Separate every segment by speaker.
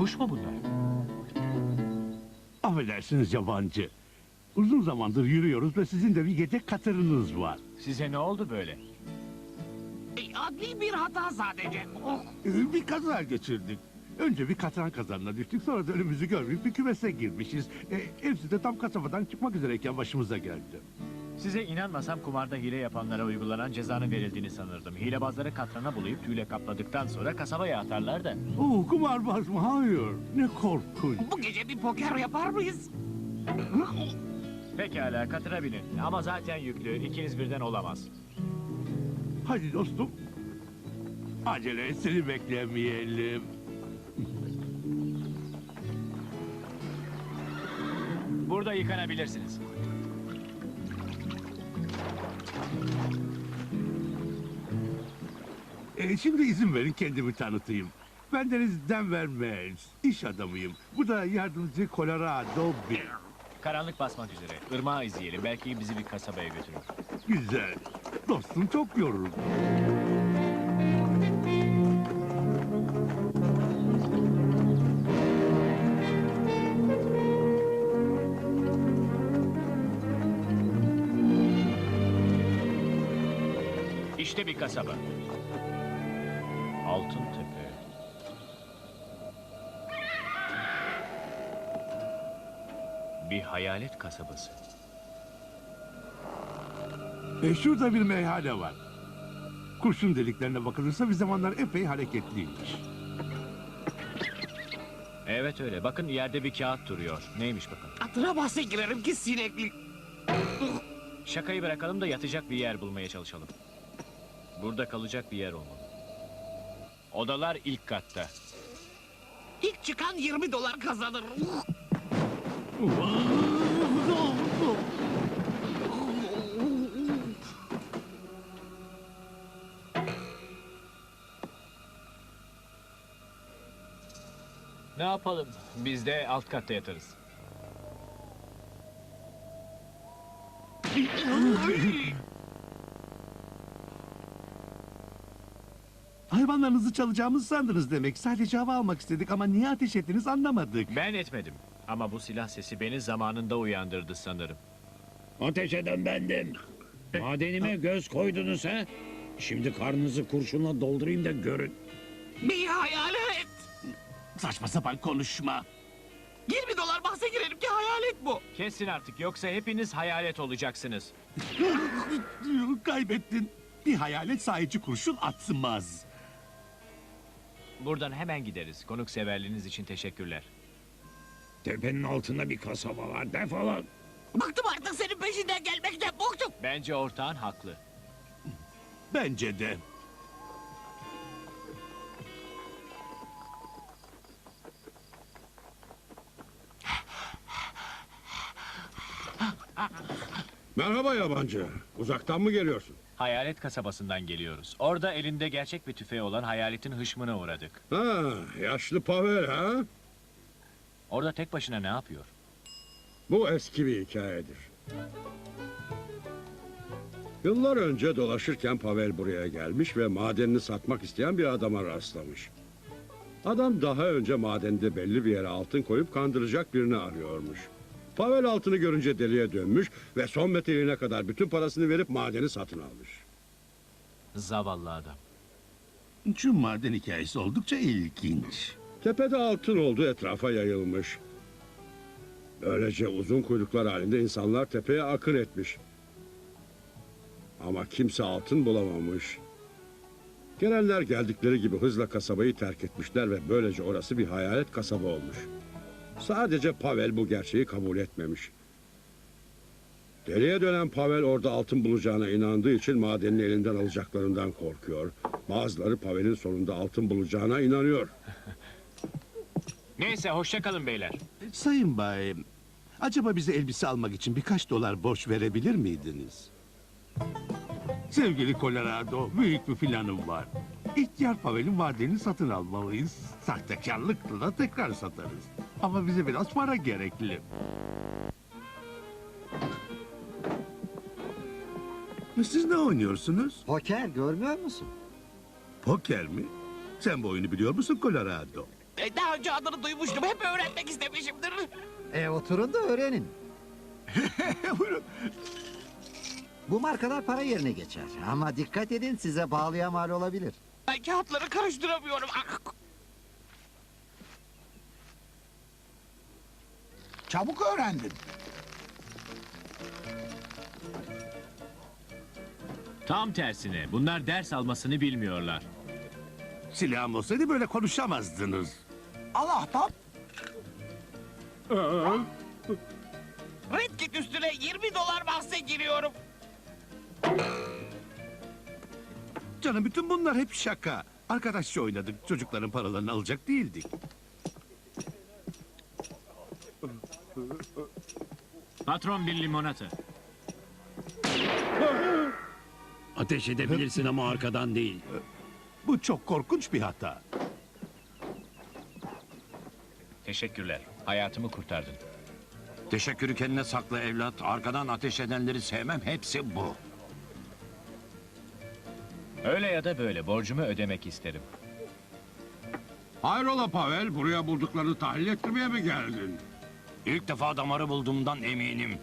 Speaker 1: Kuş mu bunlar?
Speaker 2: Affedersiniz yabancı. Uzun zamandır yürüyoruz ve sizin de bir gece katırınız var.
Speaker 1: Size ne oldu böyle?
Speaker 3: Adli bir hata sadece.
Speaker 2: Bir kaza geçirdik. Önce bir katran kazanına düştük, sonra da önümüzü görmeyip bir kümese girmişiz. Hepsi de tam kasabadan çıkmak üzereyken başımıza geldi.
Speaker 1: Size inanmasam kumarda hile yapanlara uygulanan cezanın verildiğini sanırdım. Hilebazları katrana bulayıp tüyle kapladıktan sonra kasabaya atarlar da.
Speaker 2: Kumarbaz mı? Hayır. Ne korkunç.
Speaker 3: Bu gece bir poker yapar mıyız?
Speaker 1: Pekala katıra binin. Ama zaten yüklü. İkiniz birden olamaz.
Speaker 2: Hadi dostum. Acele et, seni beklemeyelim.
Speaker 1: Burada yıkanabilirsiniz.
Speaker 2: Şimdi izin verin kendimi tanıtayım. Bendeniz Denver Mills. İş adamıyım. Bu da yardımcı Colorado Bill.
Speaker 1: Karanlık basmak üzere. Irmağı izleyelim. Belki bizi bir kasabaya götürür.
Speaker 2: Güzel. Dostum çok yoruldu.
Speaker 1: İşte bir kasaba. Altıntepe. Bir hayalet kasabası.
Speaker 2: Şurada bir meyhane var. Kurşun deliklerine bakılırsa bir zamanlar epey hareketliymiş.
Speaker 1: Evet öyle. Bakın yerde bir kağıt duruyor. Neymiş bakın.
Speaker 3: Atıra bahse girerim ki sinekli.
Speaker 1: Şakayı bırakalım da yatacak bir yer bulmaya çalışalım. Burada kalacak bir yer olmalı. Odalar ilk katta.
Speaker 3: İlk çıkan $20 kazanır.
Speaker 1: Ne yapalım? Biz de alt katta yatarız.
Speaker 2: Hayvanlarınızı çalacağımızı sandınız demek. Sadece hava almak istedik ama niye ateş ettiniz anlamadık.
Speaker 1: Ben etmedim. Ama bu silah sesi beni zamanında uyandırdı sanırım.
Speaker 4: Ateş eden bendim. Madenime göz koydunuz ha? Şimdi karnınızı kurşunla doldurayım da görün.
Speaker 3: Bir hayalet.
Speaker 2: Saçma sapan konuşma.
Speaker 3: $20 bahse girerim ki hayalet bu.
Speaker 1: Kesin artık yoksa hepiniz hayalet olacaksınız.
Speaker 2: Kaybettin. Bir hayalet sahici kurşun atmaz.
Speaker 1: Buradan hemen gideriz. Konukseverliğiniz için teşekkürler.
Speaker 4: Tepenin altında bir kasaba var. Defolun.
Speaker 3: Bıktım artık senin peşinden gelmekten bıktım.
Speaker 1: Bence ortağın haklı.
Speaker 2: Bence de.
Speaker 5: Merhaba yabancı. Uzaktan mı geliyorsun?
Speaker 1: Hayalet kasabasından geliyoruz. Orada elinde gerçek bir tüfeği olan hayaletin hışmına uğradık.
Speaker 5: Ha, yaşlı Pavel ha?
Speaker 1: Orada tek başına ne yapıyor?
Speaker 5: Bu eski bir hikayedir. Yıllar önce dolaşırken Pavel buraya gelmiş ve madenini satmak isteyen bir adama rastlamış. Adam daha önce madende belli bir yere altın koyup kandıracak birini arıyormuş. Pavel altını görünce deliye dönmüş ve son metreline kadar bütün parasını verip madeni satın almış.
Speaker 1: Zavallı adam.
Speaker 2: Şu maden hikayesi oldukça ilginç.
Speaker 5: Tepede altın olduğu etrafa yayılmış. Böylece uzun kuyruklar halinde insanlar tepeye akın etmiş. Ama kimse altın bulamamış. Gelenler geldikleri gibi hızla kasabayı terk etmişler ve böylece orası bir hayalet kasaba olmuş. Sadece Pavel bu gerçeği kabul etmemiş. Deliye dönen Pavel orada altın bulacağına inandığı için madenini elinden alacaklarından korkuyor. Bazıları Pavel'in sonunda altın bulacağına inanıyor.
Speaker 1: Neyse hoşça kalın beyler.
Speaker 2: Sayın Bay, acaba bize elbise almak için birkaç dolar borç verebilir miydiniz? Sevgili Colorado, büyük bir planım var. İhtiyar Pavel'in madenini satın almalıyız. Sahtekarlıkla da tekrar satarız. Ama bize biraz para gerekli. Siz ne oynuyorsunuz?
Speaker 6: Poker görmüyor musun?
Speaker 2: Poker mi? Sen bu oyunu biliyor musun Colorado?
Speaker 3: Daha önce adını duymuştum. Hep öğrenmek istemişimdir.
Speaker 6: Oturun da öğrenin.
Speaker 2: Buyurun.
Speaker 6: Bu markalar para yerine geçer. Ama dikkat edin, size pahalıya mal olabilir.
Speaker 3: Ben kağıtları karıştıramıyorum. Ah!
Speaker 7: Çabuk öğrendin.
Speaker 1: Tam tersine. Bunlar ders almasını bilmiyorlar.
Speaker 2: Silahım olsaydı böyle konuşamazdınız.
Speaker 7: Al ahbap.
Speaker 3: Red Kit üstüne 20 dolar bahse giriyorum.
Speaker 2: Canım bütün bunlar hep şaka. Arkadaşça oynadık. Çocukların paralarını alacak değildik.
Speaker 1: Patron bir limonata.
Speaker 4: Ateş edebilirsin ama arkadan değil.
Speaker 2: Bu çok korkunç bir hata.
Speaker 1: Teşekkürler. Hayatımı kurtardın.
Speaker 8: Teşekkürü kendine sakla evlat. Arkadan ateş edenleri sevmem. Hepsi bu.
Speaker 1: Öyle ya da böyle borcumu ödemek isterim.
Speaker 5: Hayrola Pavel, buraya bulduklarını tahlil ettirmeye mi geldin?
Speaker 8: İlk defa damarı bulduğumdan eminim.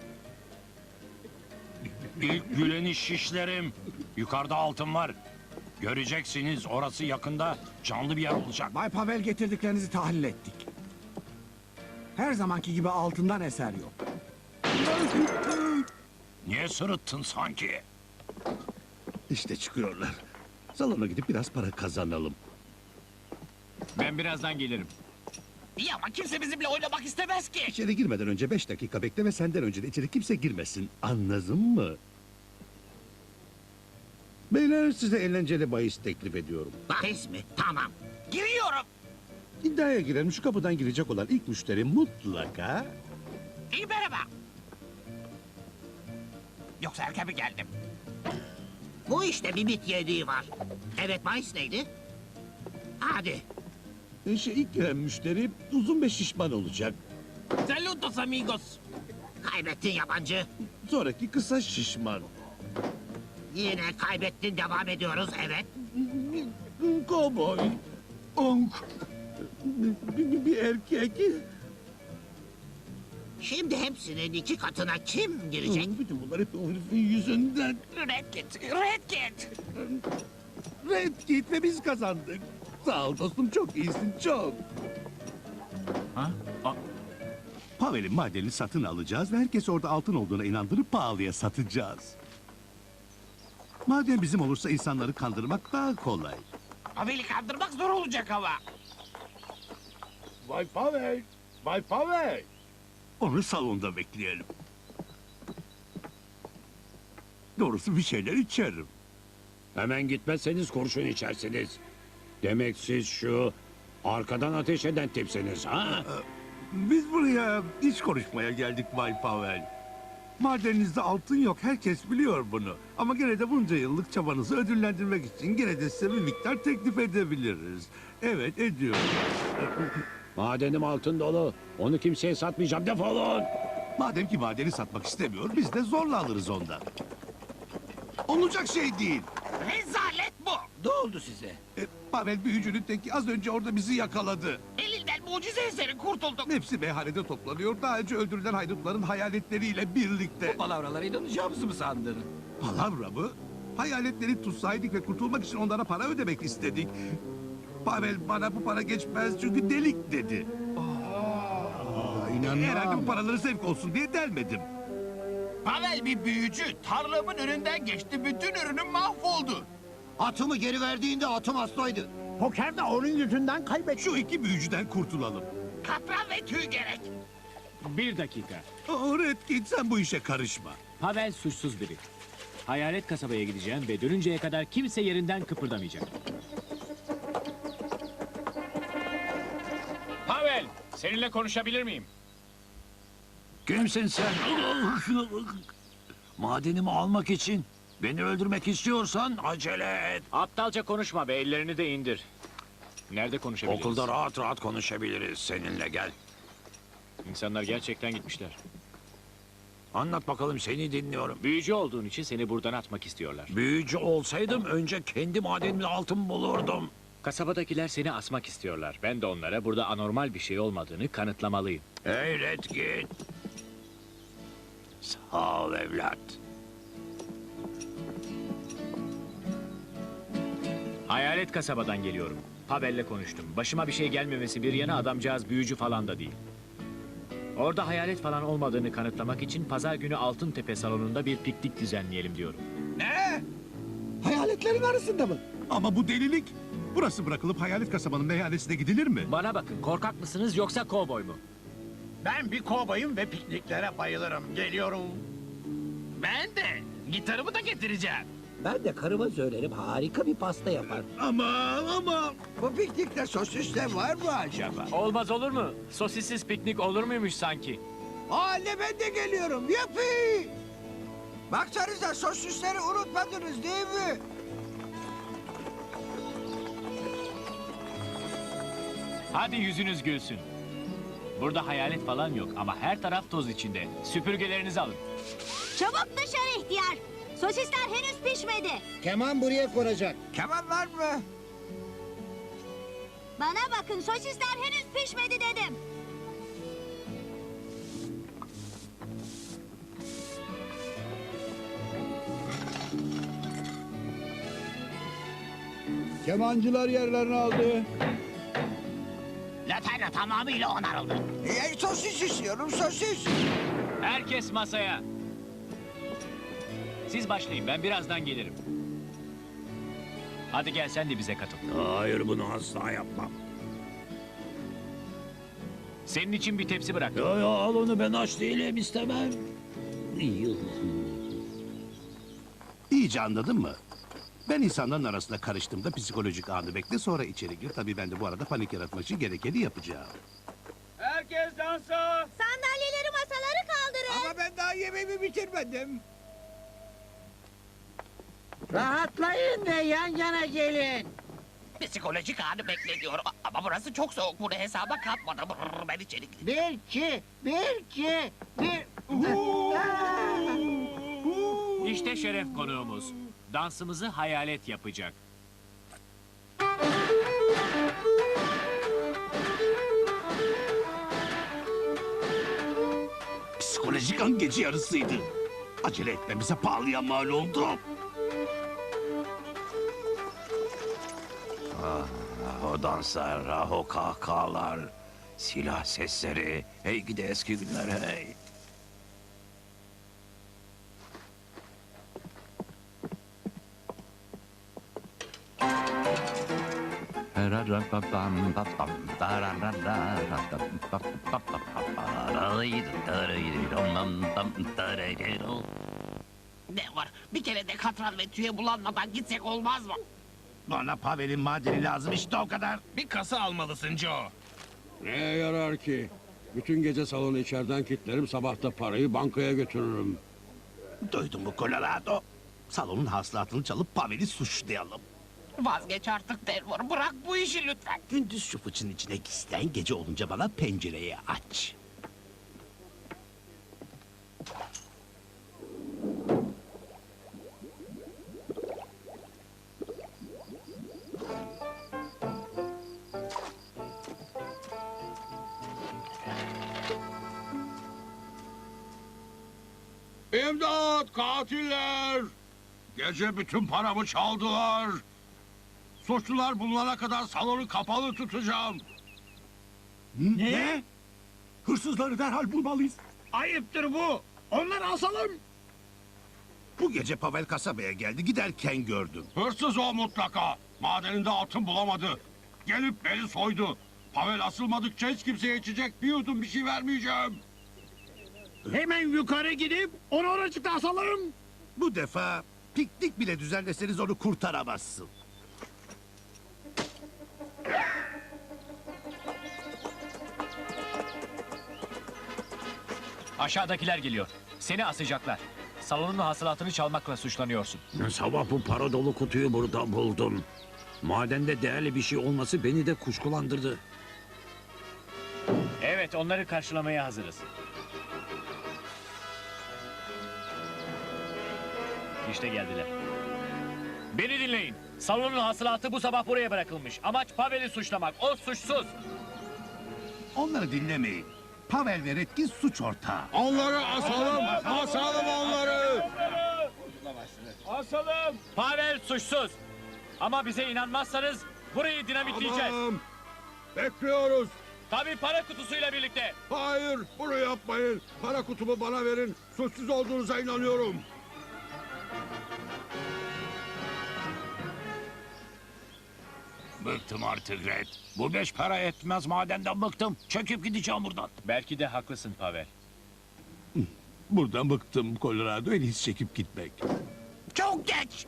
Speaker 8: İlk güleni şişlerim. Yukarıda altın var. Göreceksiniz, orası yakında canlı bir yer olacak.
Speaker 7: Bay Pavel, getirdiklerinizi tahlil ettik. Her zamanki gibi altından eser yok.
Speaker 8: Niye sırıttın sanki?
Speaker 2: İşte çıkıyorlar. Salona gidip biraz para kazanalım.
Speaker 1: Ben birazdan gelirim.
Speaker 3: İyi ama kimse bizimle oynamak istemez ki.
Speaker 2: İçeri girmeden önce 5 dakika bekle ve senden önce de içeri kimse girmesin. Anladın mı? Beyler, size eğlenceli bahis teklif ediyorum.
Speaker 3: Bahis mi? Tamam. Giriyorum.
Speaker 2: İddiaya girelim, şu kapıdan girecek olan ilk müşteri mutlaka...
Speaker 3: İyi merhaba. Yoksa erken mi geldim? Bu işte bir bit yediği var. Evet, bahis neydi? Hadi.
Speaker 2: ilk giren müşteri uzun ve şişman olacak.
Speaker 3: Saludos amigos. Kaybettin yabancı.
Speaker 2: Sonraki kısa şişman.
Speaker 3: Yine kaybettin, devam ediyoruz, evet.
Speaker 2: Kovboy. Onk. Bir erkek.
Speaker 3: Şimdi hepsinin 2 katına kim girecek?
Speaker 2: Bütün bunlar hep o herifin yüzünden.
Speaker 3: Red Kit, Red Kit.
Speaker 2: Red Kit ve biz kazandık. Sağ ol dostum, çok iyisin, çok.
Speaker 1: Ha?
Speaker 2: Pavel'in madenini satın alacağız ve herkes orada altın olduğuna inandırıp pahalıya satacağız. Maden bizim olursa insanları kandırmak daha kolay.
Speaker 3: Pavel'i kandırmak zor olacak ama.
Speaker 2: Bay Pavel, Bay Pavel. Onu salonda bekleyelim. Doğrusu bir şeyler içerim.
Speaker 4: Hemen gitmezseniz kurşun içersiniz. Demek siz şu arkadan ateş eden tipsiniz ha?
Speaker 2: Biz buraya iş konuşmaya geldik Bay Pavel. Madeninizde altın yok, herkes biliyor bunu. Ama gene de bunca yıllık çabanızı ödüllendirmek için gene de size bir miktar teklif edebiliriz. Evet, ediyorum.
Speaker 4: Madenim altın dolu. Onu kimseye satmayacağım. Defolun.
Speaker 2: Madem ki madeni satmak istemiyor, biz de zorla alırız ondan. Olacak şey değil.
Speaker 3: Rezalet bu.
Speaker 7: Ne oldu size?
Speaker 2: Pavel büyücünün teki az önce orada bizi yakaladı.
Speaker 3: Elinden mucize eseri kurtulduk.
Speaker 2: Hepsi meyhanede toplanıyor. Daha önce öldürülen haydutların hayaletleriyle birlikte.
Speaker 7: Palavralara inanacağımızı mı sandın?
Speaker 2: Palavra mı? Hayaletleri tutsaydık ve kurtulmak için onlara para ödemek istedik. Pavel bana bu para geçmez çünkü delik dedi. Herhalde bu paraları zevk olsun diye delmedim.
Speaker 7: Pavel bir büyücü. Tarlamın önünden geçti. Bütün ürünüm mahvoldu.
Speaker 6: Atımı geri verdiğinde atım hastaydı.
Speaker 7: Pokerde onun yüzünden kaybettim.
Speaker 2: Şu iki büyücüden kurtulalım.
Speaker 3: Katran ve tüy gerek.
Speaker 1: Bir dakika.
Speaker 2: Red Kit, sen bu işe karışma.
Speaker 1: Pavel suçsuz biri. Hayalet kasabaya gideceğim ve dönünceye kadar kimse yerinden kıpırdamayacak. Pavel, seninle konuşabilir miyim?
Speaker 8: Kimsin sen? Madenimi almak için. Beni öldürmek istiyorsan acele et.
Speaker 1: Aptalca konuşma be, ellerini de indir. Nerede konuşabiliriz?
Speaker 8: Okulda rahat rahat konuşabiliriz seninle, gel.
Speaker 1: İnsanlar gerçekten gitmişler.
Speaker 8: Anlat bakalım, seni dinliyorum.
Speaker 1: Büyücü olduğun için seni buradan atmak istiyorlar.
Speaker 8: Büyücü olsaydım önce kendi madenimde altın bulurdum.
Speaker 1: Kasabadakiler seni asmak istiyorlar. Ben de onlara burada anormal bir şey olmadığını kanıtlamalıyım.
Speaker 8: Hey Redkit. Sağ ol evlat.
Speaker 1: Hayalet kasabadan geliyorum. Pavel'le konuştum. Başıma bir şey gelmemesi bir yana adamcağız büyücü falan da değil. Orada hayalet falan olmadığını kanıtlamak için pazar günü Altıntepe salonunda bir piknik düzenleyelim diyorum.
Speaker 7: Hayaletlerin arasında mı?
Speaker 2: Ama bu delilik. Burası bırakılıp hayalet kasabanın meyhanesine gidilir mi?
Speaker 1: Bana bakın, korkak mısınız yoksa kovboy mu?
Speaker 9: Ben bir kovboyum ve pikniklere bayılırım. Geliyorum. Ben de. Gitarımı da getireceğim.
Speaker 3: Ben de karıma söylerim harika bir pasta yapar.
Speaker 2: Ama...
Speaker 9: Bu piknikte sosisle var mı acaba?
Speaker 1: Olmaz olur mu? Sosissiz piknik olur muymuş sanki?
Speaker 9: Anne ben de geliyorum. Yapı. Baksanıza sosisleri unutmadınız değil mi?
Speaker 1: Hadi yüzünüz gülsün. Burada hayalet falan yok ama her taraf toz içinde. Süpürgelerinizi alın.
Speaker 10: Çabuk dışarı ihtiyar. Sosisler henüz pişmedi.
Speaker 3: Keman buraya konacak.
Speaker 9: Keman var mı?
Speaker 10: Bana bakın, sosisler henüz pişmedi dedim.
Speaker 7: Kemancılar yerlerini aldı.
Speaker 3: Laterna tamamıyla onarıldı.
Speaker 9: Sosis istiyorum sosis.
Speaker 1: Herkes masaya. Siz başlayın, ben birazdan gelirim. Hadi gel sen de bize katıl.
Speaker 4: Hayır, bunu asla yapmam.
Speaker 1: Senin için bir tepsi bırak.
Speaker 4: Yo yo, al onu, ben aç değilim, istemem.
Speaker 2: İyice anladın mı? Ben insanların arasında karıştığımda psikolojik anı bekle sonra içeri gir. Tabii ben de bu arada panik yaratmak için gerekeni yapacağım.
Speaker 1: Herkes dansa.
Speaker 10: Sandalyeleri, masaları kaldırın.
Speaker 9: Ama ben daha yemeğimi bitirmedim.
Speaker 3: Rahatlayın ve yan yana gelin.
Speaker 11: Psikolojik anı bekle ama burası çok soğuk. Bunu hesaba katmadım. Ben içeri gideyim.
Speaker 3: Bir, iki, bir.
Speaker 1: İşte şeref konuğumuz. Dansımızı hayalet yapacak.
Speaker 2: Psikolojik an gece yarısıydı. Acele etmemize pahalıya mal oldu.
Speaker 8: O danslar, o kahkahalar, silah sesleri. Hey gidi eski günler hey.
Speaker 11: Ne var? Bir kere de katran ve tüye bulanmadan gitsek olmaz mı?
Speaker 9: Bana Pavel'in madeni lazım işte o kadar.
Speaker 11: Bir kasa almalısın Joe.
Speaker 5: Ne yarar ki? Bütün gece salonu içeriden kilitlerim, sabah da parayı bankaya götürürüm.
Speaker 2: Duydun mu Colorado? Salonun hasılatını çalıp Pavel'i suçlayalım.
Speaker 11: Vazgeç artık Denver. Bırak bu işi lütfen.
Speaker 2: Gündüz şu fıçın içine gizlen, gece olunca bana pencereyi aç.
Speaker 5: İmdat, katiller! Gece bütün paramı çaldılar. Suçlular bulunana kadar salonu kapalı tutacağım.
Speaker 2: Ne? Hırsızları derhal bulmalıyız.
Speaker 9: Ayıptır bu. Onları asalım.
Speaker 2: Bu gece Pavel kasabaya geldi, giderken gördüm.
Speaker 5: Hırsız o mutlaka. Madeninde altın bulamadı. Gelip beni soydu. Pavel asılmadıkça hiç kimseye içecek bir yudum bir şey vermeyeceğim.
Speaker 9: Hemen yukarı gidip onu oracıkta asalım.
Speaker 2: Bu defa piknik bile düzenleseniz onu kurtaramazsın.
Speaker 1: Aşağıdakiler geliyor. Seni asacaklar. Salonun hasılatını çalmakla suçlanıyorsun.
Speaker 4: Sabah bu para dolu kutuyu burada buldum. Madende değerli bir şey olması beni de kuşkulandırdı.
Speaker 1: Evet, onları karşılamaya hazırız. İşte geldiler. Beni dinleyin. Salonun hasılatı bu sabah buraya bırakılmış. Amaç Pavel'i suçlamak. O suçsuz.
Speaker 2: Onları dinlemeyin. Pavel ve Redkin suç ortağı.
Speaker 5: Onları asalım, asalım onları.
Speaker 1: Pavel suçsuz. Ama bize inanmazsanız burayı dinamitleyeceğiz.
Speaker 5: Tamam. Bekliyoruz.
Speaker 1: Tabii para kutusuyla birlikte.
Speaker 5: Hayır, bunu yapmayın. Para kutumu bana verin. Suçsuz olduğunuza inanıyorum.
Speaker 8: Bıktım artık Red. Bu 5 para etmez madenden bıktım. Çekip gideceğim buradan.
Speaker 1: Belki de haklısın Pavel.
Speaker 2: Buradan bıktım Colorado, en iyisi çekip gitmek.
Speaker 8: Çok geç.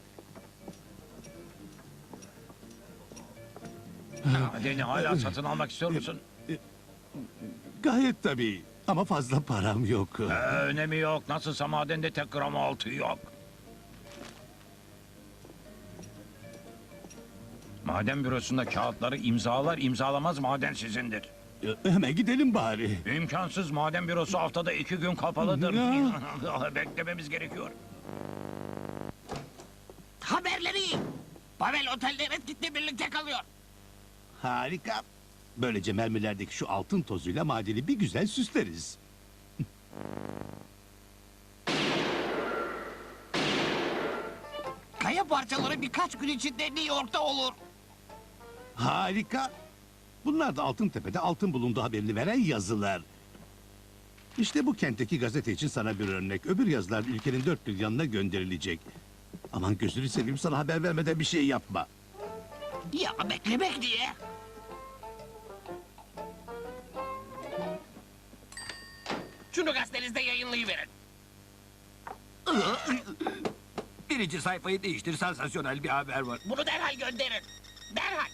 Speaker 8: Madeni hala satın almak istiyor musun?
Speaker 2: Gayet tabii ama fazla param yok.
Speaker 8: Önemi yok. Nasılsa madende tek gram altı yok. Maden bürosunda kağıtları imzalar imzalamaz maden sizindir.
Speaker 2: Hemen gidelim bari.
Speaker 8: İmkansız, maden bürosu haftada 2 gün kapalıdır. Beklememiz gerekiyor.
Speaker 11: Haberleri iyi. Pavel otelde Redkit'le birlikte kalıyor.
Speaker 2: Harika. Böylece mermilerdeki şu altın tozuyla madeni bir güzel süsleriz.
Speaker 11: Kaya parçaları birkaç gün içinde New York'ta olur.
Speaker 2: Harika. Bunlar da Altıntepe'de altın bulunduğu haberini veren yazılar. İşte bu kentteki gazete için sana bir örnek. Öbür yazılar ülkenin dört bir yanına gönderilecek. Aman gözünü seveyim, sana haber vermeden bir şey yapma.
Speaker 11: Ya beklemek diye. Şunu gazetenizde yayınlayıverin.
Speaker 9: Birinci sayfayı değiştir, sansasyonel bir haber var.
Speaker 11: Bunu derhal gönderin. Derhal.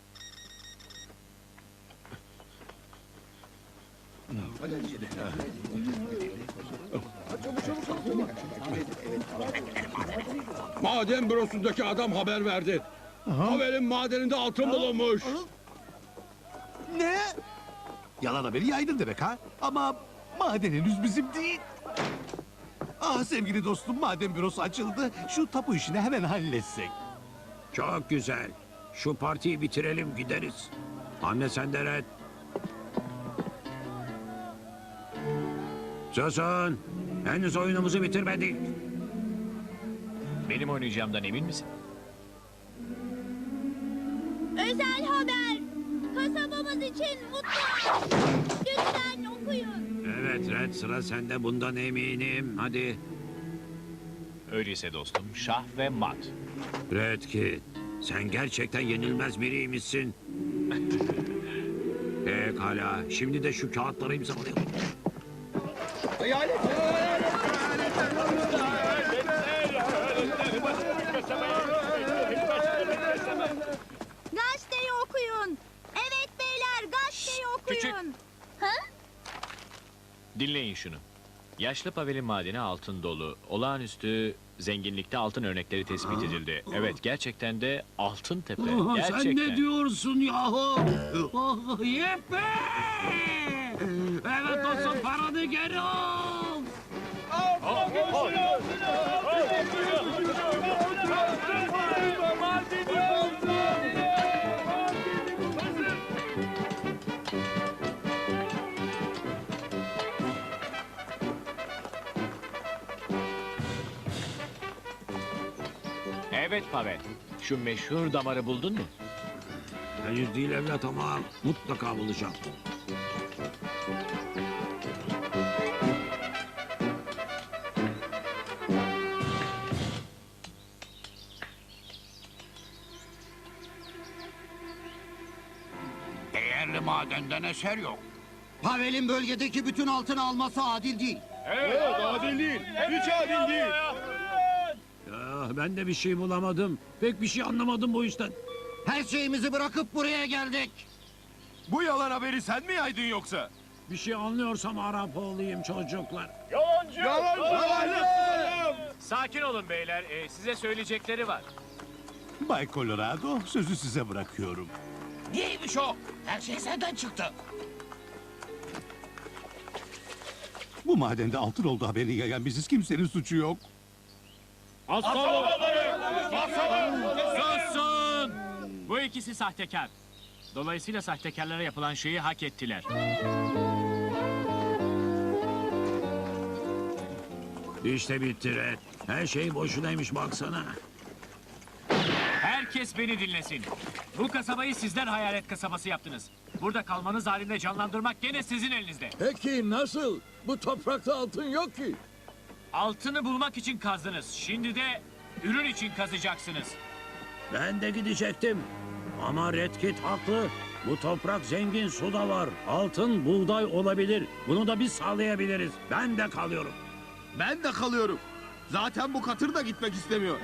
Speaker 5: Maden bürosundaki adam haber verdi. Pavel'in madeninde altın bulunmuş.
Speaker 2: Ne? Yalan haberi yaydın demek ha? Ama maden henüz bizim değil. Ah sevgili dostum, maden bürosu açıldı. Şu tapu işini hemen halletsek.
Speaker 8: Çok güzel. Şu partiyi bitirelim gideriz. Anne sen de Red. Susun. Henüz oyunumuzu bitirmedik.
Speaker 1: Benim oynayacağımdan emin misin?
Speaker 10: Özel haber. Kasabamız için mutlu. Lütfen okuyun.
Speaker 8: Evet Red, sıra sende, bundan eminim. Hadi.
Speaker 1: Öyleyse dostum, şah ve mat.
Speaker 8: Redkit, sen gerçekten yenilmez biriymişsin. Pekala, şimdi de şu kağıtları imzalayalım.
Speaker 10: Gazeteyi okuyun. Evet beyler, gazeteyi okuyun.
Speaker 1: küçük.
Speaker 10: Ha?
Speaker 1: Dinleyin şunu. Yaşlı Pavel'in madeni altın dolu. Olağanüstü zenginlikte altın örnekleri tespit edildi. Evet, gerçekten de altın tepe. Gerçekten.
Speaker 8: Sen ne diyorsun yahu? Yeppe! Evet olsun, paranı geri al!
Speaker 1: Evet Pavel. Şu meşhur damarı buldun mu?
Speaker 8: Henüz değil evlat ama mutlaka bulacağım. Değerli madenden eser yok.
Speaker 6: Pavel'in bölgedeki bütün altını alması adil değil.
Speaker 8: Ya, ben de bir şey bulamadım. Pek bir şey anlamadım bu işten.
Speaker 6: Her şeyimizi bırakıp buraya geldik.
Speaker 9: Bu yalan haberi sen mi yaydın yoksa?
Speaker 8: Bir şey anlıyorsam Arap olayım çocuklar.
Speaker 1: Sakin olun beyler. Size söyleyecekleri var.
Speaker 2: Bay Colorado, sözü size bırakıyorum.
Speaker 11: Neymiş o? Her şey senden çıktı.
Speaker 2: Bu madende altın olduğu haberini yayan biziz, kimsenin suçu yok.
Speaker 1: Susun! Bu ikisi sahtekar. Dolayısıyla sahtekarlara yapılan şeyi hak ettiler.
Speaker 4: İşte bitti Red. Her şey boşunaymış baksana.
Speaker 1: Herkes beni dinlesin. Bu kasabayı sizler hayalet kasabası yaptınız. Burada kalmanız halinde canlandırmak gene sizin elinizde.
Speaker 9: Peki nasıl? Bu toprakta altın yok ki.
Speaker 1: Altını bulmak için kazdınız. Şimdi de ürün için kazacaksınız.
Speaker 4: Ben de gidecektim. Ama Red Kit haklı. Bu toprak zengin, su da var. Altın, buğday olabilir. Bunu da biz sağlayabiliriz. Ben de kalıyorum.
Speaker 9: Ben de kalıyorum. Zaten bu katır da gitmek istemiyor.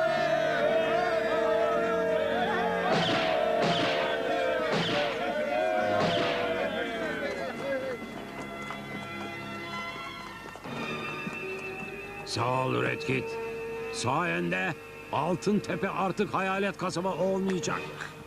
Speaker 4: Sağ ol Red Kit. Sayende Altın Tepe artık hayalet kasaba olmayacak.